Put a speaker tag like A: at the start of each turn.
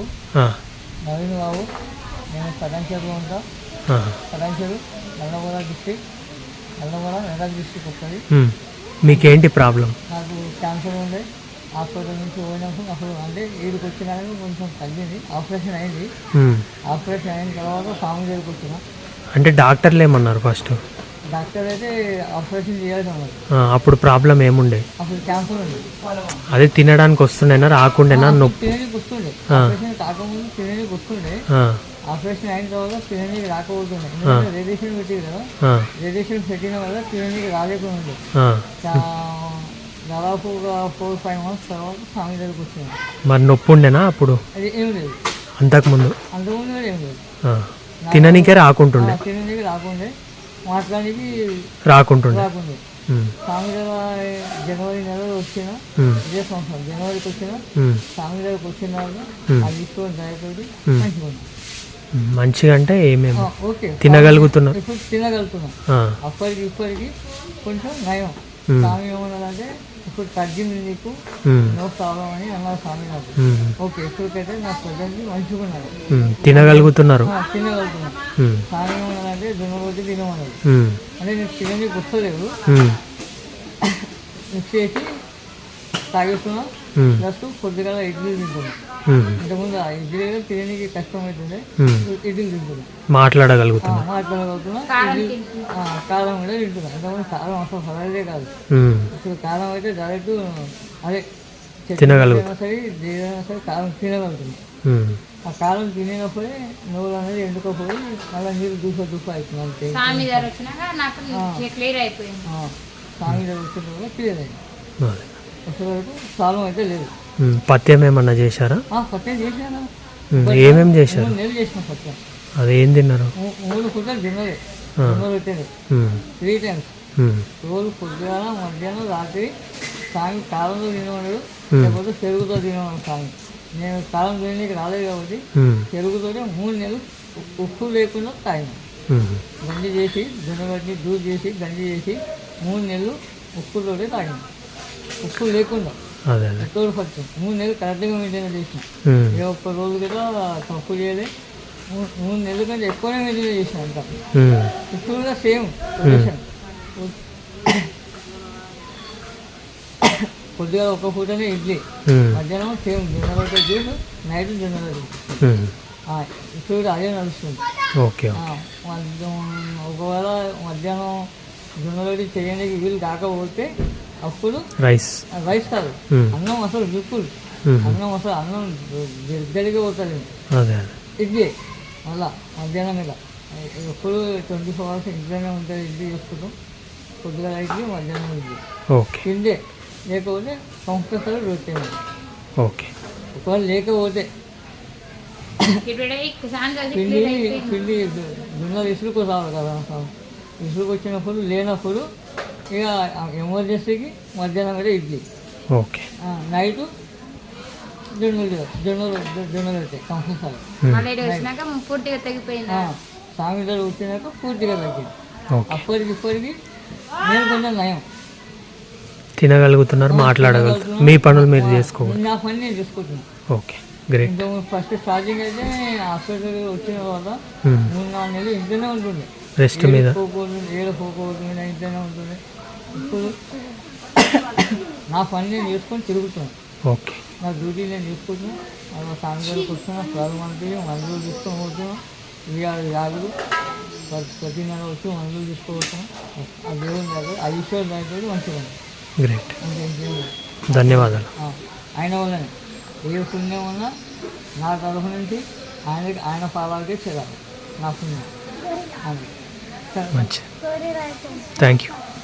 A: నవీన్ బాబు, నేను పటాన్చేరులో ఉంటా. పటాన్చేరు నల్లగొండ డిస్ట్రిక్ట్, నల్లగొండ మెదక్ డిస్ట్రిక్ట్ వస్తుంది.
B: మీకేంటి ప్రాబ్లం?
A: నాకు క్యాన్సర్ ఉండే, హాస్పిటల్ నుంచి పోయినప్పుడు అప్పుడు అంటే వీడికి వచ్చినా కొంచెం తగ్గింది. ఆపరేషన్ అయింది. ఆపరేషన్ అయిన తర్వాత స్వామి దగ్గరికి వచ్చిన.
B: అంటే డాక్టర్లు ఏమన్నారు ఫస్ట్?
A: డాక్టర్ అయితే ఆపరేషన్ చేయాల్సి ఉన్నారు.
B: అప్పుడు ప్రాబ్లం ఏముండే?
A: అప్పుడు క్యాన్సర్ ఉంది.
B: అదే తినడానికి వస్తుండేనా రాకుండేనా? నొప్పి
A: తినడానికి వస్తుండే, ఆపరేషన్ కాకముందు తినడానికి వస్తుండే. ఆపరేషన్ అయిన తర్వాత తినడానికి రాకపోతుండే, ఎందుకంటే రేడియేషన్ పెట్టింది కదా. రేడియేషన్ పెట్టిన వల్ల తినడానికి రాలేకుండా దాదాపు ఒక 4-5 months తర్వాత స్వామి దగ్గరికి వచ్చింది.
B: మరి నొప్పి ఉండేనా అప్పుడు?
A: అది ఏం లేదు.
B: అంతకుముందు
A: కూడా ఏం లేదు.
B: తిననీకే రాకుంటుండే,
A: తినడానికి రాకుండే, మాట్లాడానికి
B: రాకుంటుండే.
A: స్వామి దగ్గర జనవరి నెలలో వచ్చిన, ఇదే సంవత్సరం జనవరికి వచ్చిన. స్వామి దగ్గరకు వచ్చిన అది తీసుకొని దయతోటి మంచిగా ఉంది.
B: మంచిగా అంటే ఏమేమి
A: ఓకే
B: తినగలుగుతున్నా?
A: ఇప్పుడు తినగలుగుతున్నా. అప్పటికి ఇప్పటికి కొంచెం నయం. స్వామి ఏమన్నారంటే ఇప్పుడు తగ్గింది నీకు, నో ప్రాబ్లం అని అన్నారు స్వామి నాకు. ఓకే, ఇప్పటికైతే నా ప్రజెంట్ మంచిగా ఉన్నారు,
B: తినగలుగుతున్నారు.
A: స్వామి ఏమన్నారంటే దున్నబోతే తినమన్నారు. అంటే నేను తినడానికి వస్తలేదు, మిక్స్ చేసి తాగేస్తున్నా. ప్లస్ కొద్దిగా ఇడ్లీ తింటున్నా. ఇంతకుముందు ఆ ఇడ్లీ తినడానికి కష్టం అవుతుంది, ఇడ్లీ తింటున్నా.
B: మాట్లాడగలుగుతున్నా.
A: కారం కూడా తింటున్నా. ఇంతకుముందు కారం అసలు పడేదే కాదు. ఇప్పుడు కారం అయితే డైరెక్ట్ అదే
B: తినగలుగుతున్నా
A: సరే, ఏదైనా సరే కారం తినగలుగుతుంది. ఆ కారం తినేటప్పుడే నోరు అనేది ఎండుకోపోయి మళ్ళీ నీళ్ళు దూస అవుతుంది. అంతే స్వామి దగ్గర వచ్చిన క్లియర్ అయింది. అసలు ప్రాబ్లం అయితే లేదు.
B: పత్యం ఏమన్నా చేశారా?
A: పత్యం చేశాను.
B: ఏమేమి చేశారు?
A: 3 నెలలు చేసిన పత్యం.
B: అదేం తిన్నారు?
A: 3 పూటలు తిన్నదే. పెట్టేది 3 times. రోజు పొద్దున, మధ్యాహ్నం, రాత్రి. స్వామి కాలంలో తినవాడు, లేకపోతే పెరుగుతో తినేవాడు స్వామి. నేను కాలం తినడానికి రాలేదు కాబట్టి పెరుగుతోనే 3 నెలలు ఉప్పు లేకుండా తాగిన. గంజి చేసి దున్నగడ్డి దూరు చేసి గంజి చేసి 3 నెలలు ఉప్పుతోటే తాగిన, ఉప్పు లేకుండా. తోడు పట్టు 3 నెలలు కరెక్ట్గా మెయింటైన్ చేసిన. ఏ ఒక్క రోజు కూడా తప్పు చేయలే. 3 నెలల కంటే ఎక్కువనే మెయింటైన్ చేసిన. అంతా ఇప్పుడు కూడా సేమ్ పొజిషన్. కొద్దిగా ఒక పూటనే ఇడ్లీ, మధ్యాహ్నం సేమ్ జొన్నలతో జ్యూస్, నైట్ జొన్నల జ్యూస్. ఇప్పుడు కూడా అదే నడుస్తుంది. ఒకవేళ మధ్యాహ్నం జొన్నలతో చేయడానికి వీలు కాకపోతే అప్పుడు రైస్ కాదు, అన్నం అసలు బిల్కుల్ అన్నం దగ్గరికి పోతుంది. ఇడ్లీ మళ్ళా మధ్యాహ్నం మీద ఎప్పుడు 24 hours ఇంట్లోనే ఉంటుంది. ఇడ్లీ చేసుకుంటాం. కొద్దిగా ఇడ్లీ, మధ్యాహ్నం ఇడ్లీ తిండే. లేకపోతే కంపల్సరీ రొట్టె. ఒకవేళ లేకపోతే పిండి దున్నలు ఇసురుకోసారు కదా. ఇసురుకు వచ్చినప్పుడు లేనప్పుడు ఇక ఎమర్జెన్సీకి మధ్యాహ్నం కూడా ఇడ్లీ, నైట్ జొన్నలు అవుతాయి కంపల్సరీ. స్వామి దగ్గర వచ్చినాక పూర్తిగా తగ్గింది. అప్పటికి ఇప్పటికి నేను కొంచెం నయం.
B: తినగలుగుతున్నారు, మాట్లాడగలుగుతున్నారు, మీ పనులు మీరు చేసుకోవాలి.
A: నా పని నేను చేసుకుంటున్నాను.
B: Okay, great.
A: ఫస్ట్ స్టార్టింగ్ అయితే హాస్పిటల్ వచ్చిన తర్వాత 3-4 నెలలు ఇంట్లోనే ఉంటుండే.
B: రెస్ట్ మీద
A: పోకపోతుంది, ఇంట్లోనే ఉంటుంది. ఇప్పుడు నా పని నేను చేసుకొని తిరుగుతున్నాను.
B: ఓకే,
A: నా డ్యూటీ నేను చేసుకుంటున్నాను. అలా స్వామి దగ్గరకు వస్తున్నా, మందులు తీసుకొని పోతున్నాం. యాగులు ప్రతి నెల వచ్చి మందులు తీసుకోవచ్చున్నాం. ఆ దేవుని దగ్గర ఆ ఈశ్వరు దగ్గర మంచిగా ఉంది.
B: గ్రేట్, ధన్యవాదాలు.
A: ఆయన వల్లనే ఏ పుణ్యం ఉన్నా నా తరఫు నుంచి ఆయన పాదాలకే చేరాలి. నా పుణ్యం మంచి.
B: Thank you.